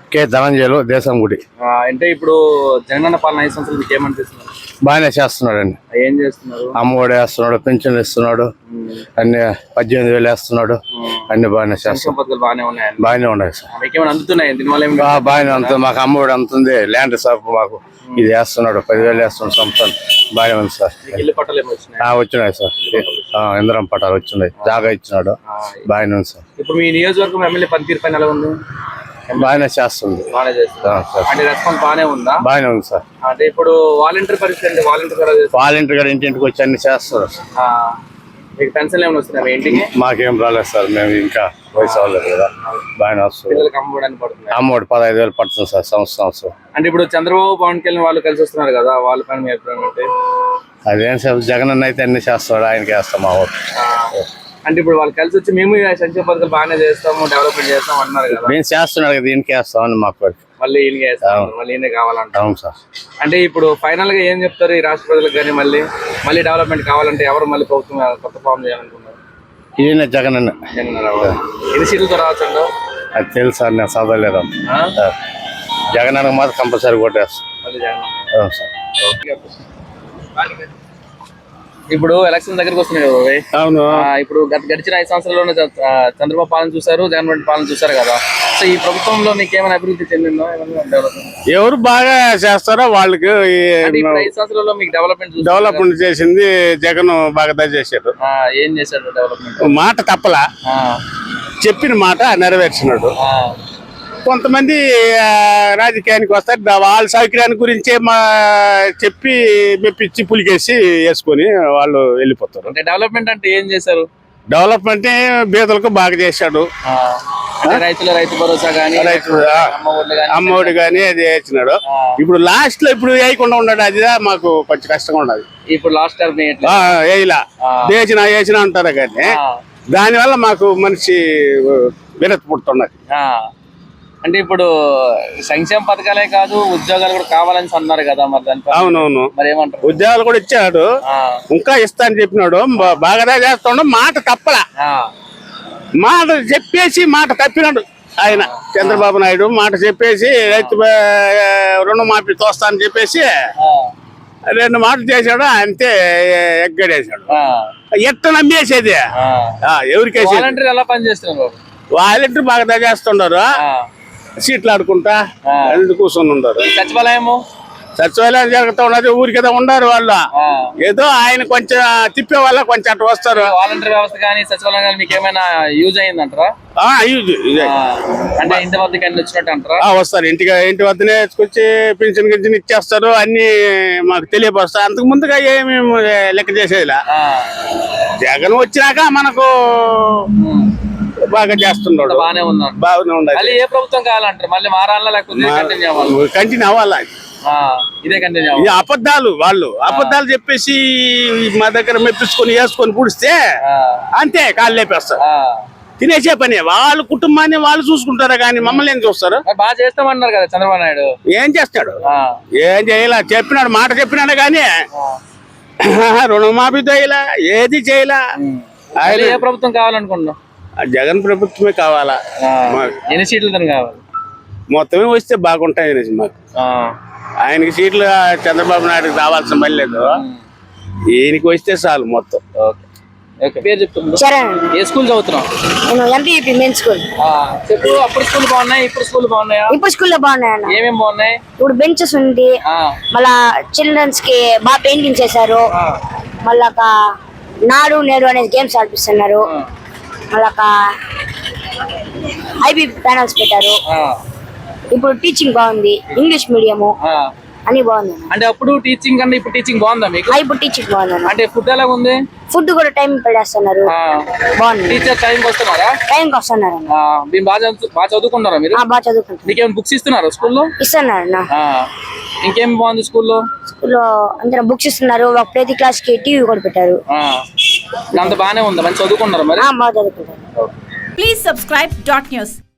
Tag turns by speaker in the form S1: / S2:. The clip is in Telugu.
S1: కే ధనంజయులు దేశంగుడి.
S2: అంటే ఇప్పుడు జగనన్న పాలన 5 సంవత్సరాలు మీకు ఏమనిపిస్తుంది?
S1: బాగానే చేస్తున్నాడండి.
S2: ఏం చేస్తున్నారు?
S1: అమ్మఒడి వేస్తున్నాడు, పెన్షన్లు ఇస్తున్నాడు, అన్ని 18,000 వేస్తున్నాడు, అన్ని బాగానే చేస్తున్నాడు. బాగానే ఉన్నాయి సార్. బాగానే అందుతుంది. మాకు అమ్మఒడి అందుతుంది, ల్యాండ్ సార్ మాకు ఇది వేస్తున్నాడు, 10,000 వేస్తున్నాడు సంవత్సరం. బాగానే ఉంది సార్. వచ్చినాయి సార్, ఇంద్రం పట్టాలు వచ్చినాయి, జాగా ఇచ్చినాడు, బాగానే ఉంది సార్.
S2: ఇప్పుడు మీ నియోజకవర్గం ఎమ్మెల్యే పనితీరు పైన ఎలా ఉంది?
S1: బాగానే చేస్తుంది.
S2: అంటే రెస్పాన్స్ బాగానే ఉందా?
S1: బాగానే ఉంది సార్.
S2: అంటే ఇప్పుడు వాలంటీర్ పరిస్థితి,
S1: వాలంటీర్ గారు ఇంటింటికి వచ్చి అన్ని చేస్తారు.
S2: మీకు పెన్షన్ ఏమైనా వస్తున్నాయి మీ ఇంటికి?
S1: మాకేం రాలేదు సార్, మేము ఇంకా వయసు అవ్వలేదు కదా. బాగానే వస్తుంది. అమ్మఒడి 15,000 పడుతుంది సార్ సంవత్సరం.
S2: అంటే ఇప్పుడు చంద్రబాబు, పవన్ కళ్యాణ్ వాళ్ళు కలిసి వస్తున్నారు కదా, వాళ్ళ పైన మీ అభిప్రాయం ఏంటి?
S1: అదేం సార్, జగన్ అన్న అయితే అన్ని చేస్తాడు, ఆయనకి వేస్తాం మా ఓటు.
S2: అంటే ఇప్పుడు వాళ్ళు కలిసి వచ్చి మేము సంక్షేమ పథకాలు బాగానే చేస్తాము, డెవలప్మెంట్ చేస్తాం అంటున్నారు కదా.
S1: మేము చేస్తున్నాడు కదా, దీనికి వేస్తామని మాకు.
S2: మళ్ళీ ఈయనకి వేస్తాం, మళ్ళీ ఈయన కావాలంట.
S1: అవును సార్.
S2: అంటే ఇప్పుడు ఫైనల్ గా ఏం చెప్తారు ఈ రాష్ట్ర ప్రజలకు? కానీ మళ్ళీ డెవలప్మెంట్ కావాలంటే ఎవరు మళ్ళీ ప్రభుత్వం కొత్త ఫామ్ చేయాలనుకున్నారు?
S1: ఈయన జగన్ అన్న.
S2: ఎన్ని సీట్లతో రావచ్చండి?
S1: అది తెలుసు సార్, నేను చదవలేదు. జగన్ అన్నకు మాత్రం కంపల్సరీ కొట్టేస్తాం. అవును సార్.
S2: ఇప్పుడు ఎలక్షన్ దగ్గరకు వస్తున్నాయి కదా.
S1: అవును.
S2: ఇప్పుడు గడిచిన 5 సంవత్సరాల్లోనే చంద్రబాబు పాలన చూసారు, జగన్ పాలన చూసారు కదా. సో ఈ ప్రభుత్వంలో మీకు ఏమైనా అభివృద్ధి చెందిందో?
S1: ఎవరు బాగా చేస్తారో వాళ్ళకి.
S2: 5 సంవత్సరాల్లో మీకు
S1: డెవలప్మెంట్ చేసింది జగన్ బాగా చేశాడు.
S2: ఏం చేశాడు డెవలప్మెంట్?
S1: మాట తప్పలా, చెప్పిన మాట నెరవేర్చినాడు. కొంతమంది రాజకీయానికి వస్తారు, వాళ్ళ సౌకర్యాన్ని గురించే చెప్పి మెప్పించి పులికేసి వేసుకొని వాళ్ళు వెళ్ళిపోతారు.
S2: అంటే డెవలప్మెంట్ అంటే ఏం చేశారు?
S1: డెవలప్మెంట్ బీదలకు బాగా చేశాడు.
S2: రైతు భరోసా కానీ,
S1: అమ్మఒడి కానీ అది వేసినాడు. ఇప్పుడు లాస్ట్ లో ఇప్పుడు వేయకుండా ఉన్నాడు, అది మాకు కొంచెం కష్టంగా ఉన్నది.
S2: ఇప్పుడు లాస్ట్
S1: వేయలా, వేసిన అంటారు కానీ దానివల్ల మాకు మనిషి విరక్తి పుడుతున్నది.
S2: అంటే ఇప్పుడు సంక్షేమ పథకాలే కాదు, ఉద్యోగాలు కూడా కావాలని అన్నారు కదా. మరి దానికి
S1: అవునవును,
S2: మరి ఏమంటారు?
S1: ఉద్యోగాలు కూడా ఇచ్చాడు, ఇంకా ఇస్తా అని చెప్పినాడు. బాగా చేస్తాడు, మాట తప్పలా. మాట చెప్పేసి మాట తప్పినాడు ఆయన చంద్రబాబు నాయుడు. మాట చెప్పేసి రైతు రుణమాఫీ తోస్తా అని చెప్పేసి 2 మాటలు చేశాడు, అంతే ఎగ్గడేశాడు. ఎట్ట నమ్మేసేది ఎవరికేసి?
S2: వాలంటీర్ ఎలా పనిచేస్తున్నారు?
S1: వాలంటీర్ బాగా చేస్తుండారు, సీట్లు ఆడుకుంటా కూర్చొని ఉన్నారు. సచివాలయం జరుగుతూ ఉన్నది, ఊరికేదో ఉండరు వాళ్ళు. ఏదో ఆయన కొంచెం తిప్పే వాళ్ళ కొంచెం అటు వస్తారు.
S2: వాలంటీర్ వ్యవస్థ కానీ సచివాలయం కానీ మీకు ఏమైనా యూజ్ అయ్యిందంటారా? అంటే ఇంటి వద్దకి అన్ని వచ్చినట్టు అంటారా?
S1: వస్తారు, ఇంటి వద్దనే వచ్చి పింఛన్ గింజన్ ఇచ్చేస్తారు, అన్ని మాకు తెలియపరుస్తారు. అంతకు ముందుగా ఏమి లెక్క చేసేదిలా. జగన్ వచ్చినాక మనకు బాగా చేస్తున్నాడు, బాగానే
S2: ఉండాలి. ఏ ప్రభుత్వం కావాలంటారు? మళ్ళీ మారాలా లేకపోతే
S1: కంటిన్యూ అవ్వాలా?
S2: ఇదే కంటిన్యూ.
S1: అబద్ధాలు, వాళ్ళు అబద్ధాలు చెప్పేసి మా దగ్గర మెప్పించుకొని వేసుకొని పుడిస్తే అంతే కాళ్ళు లేపేస్తారు. తినేసే పని, వాళ్ళ కుటుంబాన్ని వాళ్ళు చూసుకుంటారా కానీ మమ్మల్ని ఏం చూస్తారు?
S2: బాగా చేస్తామన్నారు కదా చంద్రబాబు నాయుడు.
S1: ఏం చేస్తాడు? ఏం చేయలే, చెప్పినాడు, మాట చెప్పినాడు కానీ రుణమాఫీ చేయలే, ఏది చేయలే.
S2: ఆయన ఏ ప్రభుత్వం కావాలనుకుంటున్నాం?
S1: జగన్ ప్రభుత్వమే కావాలా.
S2: ఎన్ని సీట్లు కావాలి?
S1: మొత్తమే వస్తే బాగుంటాయి మాకు. ఆయనకి సీట్లు చంద్రబాబు నాయుడుకి రావాల్సిన పని లేదు, ఈయనకి వస్తే చాలు మొత్తం.
S2: పేరు చెప్తున్నా. ఏ స్కూల్ చదువుతున్నావు? చెప్పు. అప్పుడు స్కూల్ బాగున్నాయి, ఇప్పుడు స్కూల్ బాగున్నాయా?
S3: ఇప్పుడు స్కూల్ లో బాగున్నాయి.
S2: ఏమేమి బాగున్నాయి?
S3: ఇప్పుడు బెంచెస్ ఉంది, మళ్ళా చిల్డ్రన్స్ కి బాగా పెయింటింగ్ చేశారు, మళ్ళా నాడు నేడు అనేది గేమ్స్ ఆడిపిస్తున్నారు, మళ్ళా ఐబీ ప్యానల్స్ పెట్టారు. ఇప్పుడు టీచింగ్ బాగుంది, ఇంగ్లీష్ మీడియము అన్ని బాగుంది.
S2: అంటే అప్పుడు టీచింగ్ కన్నా ఇప్పుడు టీచింగ్ బాగుందా మీకు?
S3: ఇప్పుడు టీచింగ్ బాగుంది.
S2: అంటే ఫుడ్ ఎలా ఉంది?
S3: ఫుడ్ కూడా టైం పెడేస్తున్నారు, బాగుంది.
S2: టీచర్ టైంకి వస్తున్నారా?
S3: టైంకి వస్తున్నారు.
S2: మీరు బాగా చదువుకుంటారా? మీరు
S3: బాగా చదువుకుంటారు.
S2: మీకేమైనా బుక్స్ ఇస్తున్నారా స్కూల్లో?
S3: ఇస్తున్నారు.
S2: ఇంకేం బాగుంది స్కూల్లో?
S3: స్కూల్లో అందరూ బుక్స్ ఇస్తున్నారు, ప్రతి క్లాస్ కి టీవీ కూడా పెట్టారు.
S2: అంత బాగానే ఉందా? మంచి చదువుకుంటారా? మరి
S3: బాగా చదువుకుంటారు.
S4: Please subscribe .news.